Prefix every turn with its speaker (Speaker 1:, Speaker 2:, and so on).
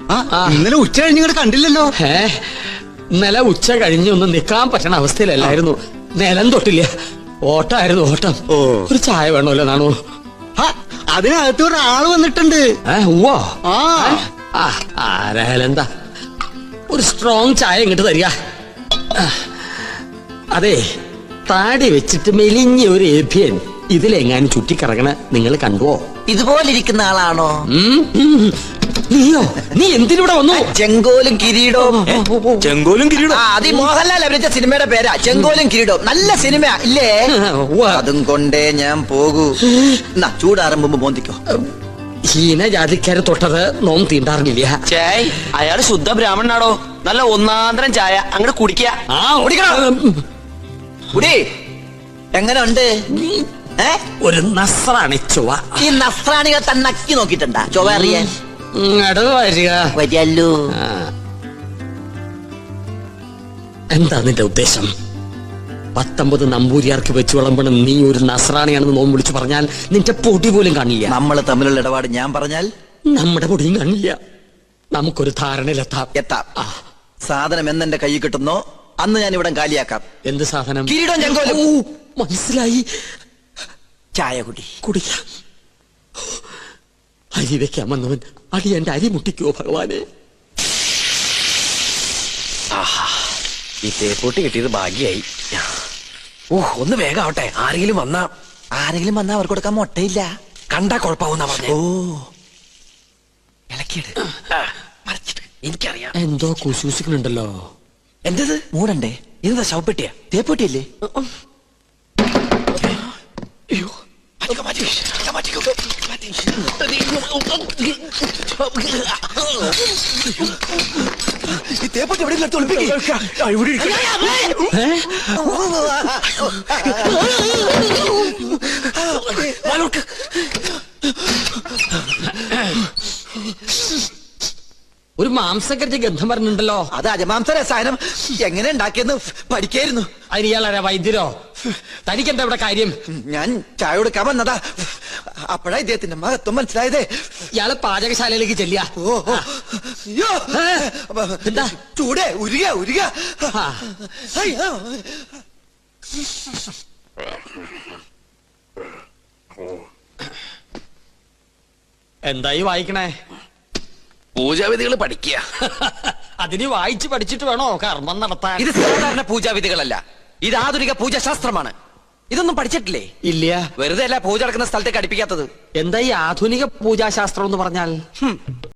Speaker 1: ഇന്നലെ ഉച്ച കഴിഞ്ഞ് ഇങ്ങോട്ട് കണ്ടില്ലല്ലോ.
Speaker 2: ഇന്നലെ ഉച്ച കഴിഞ്ഞ് ഒന്ന് നിക്കാൻ പറ്റണ അവസ്ഥയിലല്ലായിരുന്നു. നിലം തൊട്ടില്ല, ഓട്ടായിരുന്നു ഓട്ടം. ഒരു ചായ വേണമല്ലോ നാണു?
Speaker 1: അതിനകത്ത് ഒരാള് വന്നിട്ടുണ്ട്.
Speaker 2: ആരായാലും എന്താ, ഒരു സ്ട്രോങ് ചായ ഇങ്ങോട്ട് തരിക. അതെ, താടി വെച്ചിട്ട് മെലിഞ്ഞ ഒരു ഏഭ്യൻ ഇതിലെങ്ങാനും ചുറ്റിക്കറങ്ങണ നിങ്ങൾ കണ്ടുവോ?
Speaker 3: ഇതുപോലെ ഇരിക്കുന്ന ആളാണോ?
Speaker 2: നീയോ? നീ എന്തിനൂടെ വന്നു?
Speaker 3: ചെങ്കോലും കിരീടവും.
Speaker 1: ചെങ്കോലും കിരീടവും
Speaker 3: അത് മോഹൻലാൽ അഭിനയിച്ച സിനിമയുടെ പേരാ, ചെങ്കോലും കിരീടവും. നല്ല സിനിമ ഇല്ലേ? അതും കൊണ്ടേ ഞാൻ പോകൂ. ചൂടാറുമ്പോ മോന്തിക്കോ.
Speaker 2: ഹീനജാതിക്കാരെ തൊട്ടത് നോം തീണ്ടാറില്ല.
Speaker 4: ചേയ്, അയാള് ശുദ്ധ ബ്രാഹ്മണനാടോ. നല്ല ഒന്നാന്തരം ചായ അങ്ങോട്ട് കുടിക്ക.
Speaker 3: കുടി. എങ്ങനെ ഉണ്ട്?
Speaker 2: ഒരു നസ്രാണി ചൊവ്വ.
Speaker 3: ഈ നസ്രാണികൾ തന്നെ നക്കി നോക്കിട്ടുണ്ടാ ചൊവ്വ അറിയാൻ? വരികല്ലോ.
Speaker 2: എന്താ നിന്റെ ഉദ്ദേശം? 19 നമ്പൂരിയാർക്ക് വെച്ച് വിളമ്പണം നീ ഒരു നസ്രാണിയാണെന്ന് നോം വിളിച്ചു പറഞ്ഞാൽ നിന്റെ പൊടി പോലും കാണില്ല.
Speaker 3: നമ്മൾ തമ്മിലുള്ള ഇടപാട് ഞാൻ പറഞ്ഞാൽ
Speaker 2: നമ്മുടെ പൊടിയും കാണില്ല. നമുക്കൊരു ധാരണയിലെത്താം.
Speaker 3: സാധനം എന്നെന്റെ കൈ കിട്ടുന്നോ അന്ന് ഞാൻ ഇവിടെ കാലിയാക്കാം.
Speaker 2: എന്ത് സാധനം?
Speaker 3: കിരീടം ചെങ്കോലും.
Speaker 2: മനസ്സിലായി.
Speaker 3: ചായ
Speaker 2: കുടിക്കാം. അരി വെക്കാൻ വന്നവൻ അടി എന്റെ അരി മുട്ടിക്കോ ഭഗവാനെ.
Speaker 4: ഈ തേപ്പൂട്ടി കിട്ടിയത് ഭാഗ്യായി. ഒന്ന് വേഗം ആവട്ടെ. ആരെങ്കിലും വന്നാ
Speaker 3: അവർക്ക് കൊടുക്കാൻ മുട്ടയില്ല.
Speaker 4: കണ്ടാ കുഴപ്പമാവുന്ന പറഞ്ഞ.
Speaker 3: ഇളക്കിയിട്.
Speaker 4: എനിക്കറിയാം
Speaker 2: എന്തോ കുശൂസിക്കുന്നുണ്ടല്ലോ.
Speaker 3: എന്തത്? മൂടണ്ടേ?
Speaker 4: ഇതെന്താ ശവപ്പെട്ടിയാ?
Speaker 3: തേപ്പൂട്ടിയല്ലേ?
Speaker 4: ഈ തേപ്പൂട്ടി എവിടെ
Speaker 2: ഒരു മാംസക്കരച്ച് ഗന്ധം പറഞ്ഞിട്ടുണ്ടല്ലോ.
Speaker 3: അത് അജമാംസ രസായനം എങ്ങനെ ഉണ്ടാക്കിയെന്ന് പഠിക്കായിരുന്നു.
Speaker 2: അതിന് ഇയാളാരാ? വൈദ്യരോ? തനിക്കെന്താ ഇവിടെ കാര്യം?
Speaker 3: ഞാൻ ചായ കൊടുക്കാൻ വന്നതാ. അപ്പോഴാ ഇദ്ദേഹത്തിന്റെ മഹത്വം മനസ്സിലായതേ.
Speaker 2: ഇയാള് പാചകശാലയിലേക്ക് ചെല്ലിയ.
Speaker 3: എന്താ ചൂടേ? ഉരുക.
Speaker 2: എന്തായി വായിക്കണേ?
Speaker 4: പൂജാവിധികൾ പഠിക്കുക.
Speaker 2: അതിന് വായിച്ച് പഠിച്ചിട്ട് വേണോ കർമ്മം നടത്താൻ?
Speaker 4: ഇത് സാധാരണ പൂജാവിധികളല്ല, ഇത് ആധുനിക പൂജാശാസ്ത്രമാണ്. ഇതൊന്നും പഠിച്ചിട്ടില്ലേ?
Speaker 2: ഇല്ല.
Speaker 4: വെറുതെ അല്ല പൂജ നടക്കുന്ന സ്ഥലത്തേക്ക് അടുപ്പിക്കാത്തത്.
Speaker 2: എന്താ ഈ ആധുനിക പൂജാശാസ്ത്രം എന്ന് പറഞ്ഞാൽ?